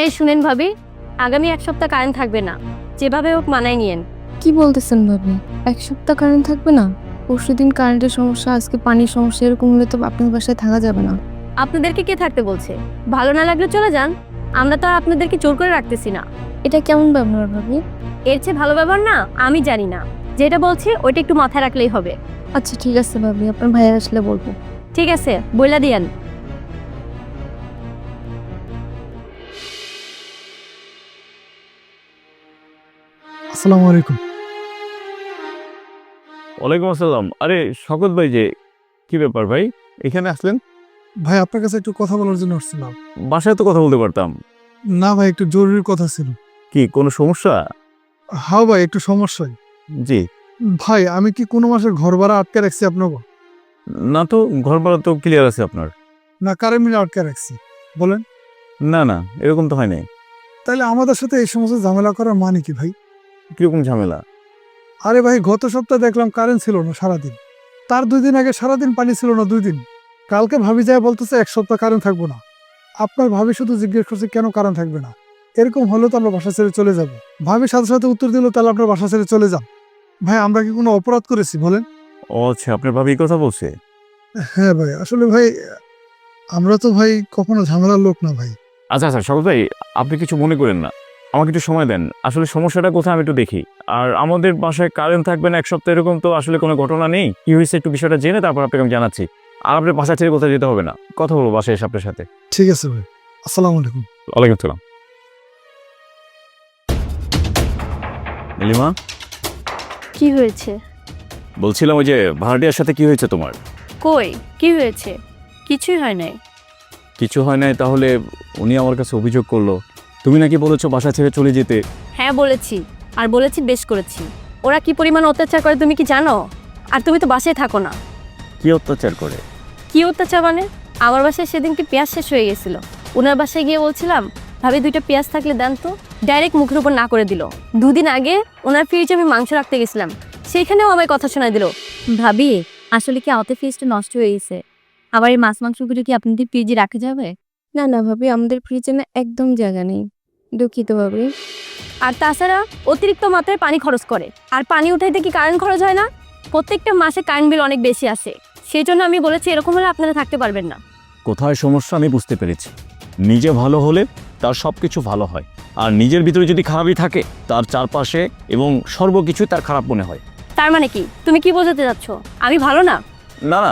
এই শুনেন ভাবি, আগামী 1 সপ্তাহ কারেন্ট থাকবে না, যেভাবে হোক মানায় নিয়েন। কি বলতেছেন ভাবি? 1 সপ্তাহ কারেন্ট থাকবে না? পরশুদিন কারেন্টের সমস্যা, আজকে পানির সমস্যা, এরকম হলে তো আপনার বাসায় থাকা যাবে না। আপনাদেরকে কে থাকতে বলছে? ভালো না লাগলে চলে যান, আমরা তো আর আপনাদেরকে জোর করে রাখতেছি না। এটা কেমন ব্যবহার ভাবি? এর চেয়ে ভালো ব্যবহার না আমি জানি না। যেটা বলছি ওইটা একটু মাথায় রাখলেই হবে। আচ্ছা ঠিক আছে ভাবি, আপনার ভাইয়া আসলে বলবো। ঠিক আছে, বইলা দিয়েন। আসসালামু আলাইকুম। ওয়ালাইকুম আসসালাম। আরে শকত ভাই, যে কি ব্যাপার ভাই, এখানে আসলেন? ভাই আপনার কাছে একটু কথা বলার জন্য আসছিলাম। বাসায় তো কথা বলতে পারতাম। না ভাই, একটু জরুরি কথা ছিল। কি কোনো সমস্যা? হ্যাঁ ভাই, একটু সমস্যাই। জি। ভাই আমি কি কোনো মাসের ঘর ভাড়া আটকে রাখছি আপনাকে? না তো, ঘর ভাড়া তো ক্লিয়ার আছে আপনার। না কারেন্ট বিল আটকে রাখছি? বলেন। না না, এরকম তো হয় নাই। তাহলে আমাদের সাথে এই সমস্ত ঝামেলা করার মানে কি ভাই? কিরকম ঝামেলা? আরে ভাই, গত সপ্তাহে দেখলাম কারেন্ট ছিল না সারাদিন। তার 2 দিন আগে সারাদিন পানি ছিল না 2 দিন। কালকে ভাবি যায় বলতেছে 1 সপ্তাহ কারেন্ট থাকবো না। আপনার ভাবি শুধু জিজ্ঞেস করছে কেন কারেন্ট থাকবে না। এরকম হলে তো আমরা বাসা ছেড়ে চলে যাব। ভাবি সাথে সাথে উত্তর দিল তাহলে আপনার বাসা ছেড়ে চলে যান। ভাই আমরা কি কোনো অপরাধ করেছি বলেন? ও আচ্ছা, আপনার ভাবি এই কথা বলছে? হ্যাঁ ভাই, আসলে ভাই আমরা তো ভাই কখনো ঝামেলার লোক না ভাই। আচ্ছা আচ্ছা শকত ভাই, আপনি কিছু মনে করেন না, আমাকে একটু সময় দেন। আসলে সমস্যাটা কোথায় আমি একটু দেখি। আর আমাদের বাসায় কারেন্ট থাকবে না 1 সপ্তাহ, এরকম তো আসলে কোনো ঘটনা নেই। কি হয়েছে একটু বিষয়টা জেনে তারপর আপনাকে আমি জানাচ্ছি। আর আপনার বাসা ছেড়ে কোথায় যেতে হবে না, কথা বলবো বাসায় এসে আপনার সাথে। ঠিক আছে ভাই, আসসালামু আলাইকুম। ওয়ালাইকুম আসসালাম। নীলিমা, কি হয়েছে? বলছিলাম ওই যে ভাড়াটিয়ার সাথে কি হয়েছে তোমার? কই, কি হয়েছে? কিছুই হয় নাই। কিছু হয় নাই? তাহলে উনি আমার কাছে অভিযোগ করলো তুমি নাকি বলেছো বাসা ছেড়ে চলে যেতে। হ্যাঁ বলেছি, আর বলেছি বেশ করেছি। ওরা কি পরিমাণ অত্যাচার করে তুমি কি জানো? আর তুমি তো বাসায় থাকো না। কি অত্যাচার করে? কি অত্যাচার মানে? আমার বাসায় সেদিনকে পেঁয়াজ শেষ হয়ে গেছিল। ওনার বাসায় গিয়ে বলছিলাম ভাবি 2টা পেঁয়াজ থাকলে দেন তো, ডাইরেক্ট মুখের উপর না করে দিল। 2 দিন আগে ওনার ফ্রিজে আমি মাংস রাখতে গেছিলাম, সেইখানেও আমায় কথা শোনায় দিল। ভাবি আসলে কি আমাদের ফ্রিজটা নষ্ট হয়ে গেছে, আবার এই মাছ মাংসগুলো কি আপনাদের ফ্রিজে রাখা যাবে? না না ভাবি, আমাদের ফ্রিজে না একদম জায়গা নেই, দুঃখিত ভাবি। আর তাছাড়া অতিরিক্ত মাত্রায় পানি খরচ করে, আর পানি উঠাইতে কি কারেন্ট খরচ হয় না? প্রত্যেকটা মাসে কারেন্ট বিল অনেক বেশি আসে। সেই জন্য আমি বলেছি এরকম হলে আপনারা থাকতে পারবেন না। কোথায় সমস্যা আমি বুঝতে পেরেছি। নিজে ভালো হলে তার সব কিছু ভালো হয়, আর নিজের ভিতরে যদি খারাপই থাকে তার চারপাশে এবং সর্বকিছু তার খারাপ মনে হয়। তার মানে কি তুমি কি বোঝাতে যাচ্ছ? আমি ভালো না? না না,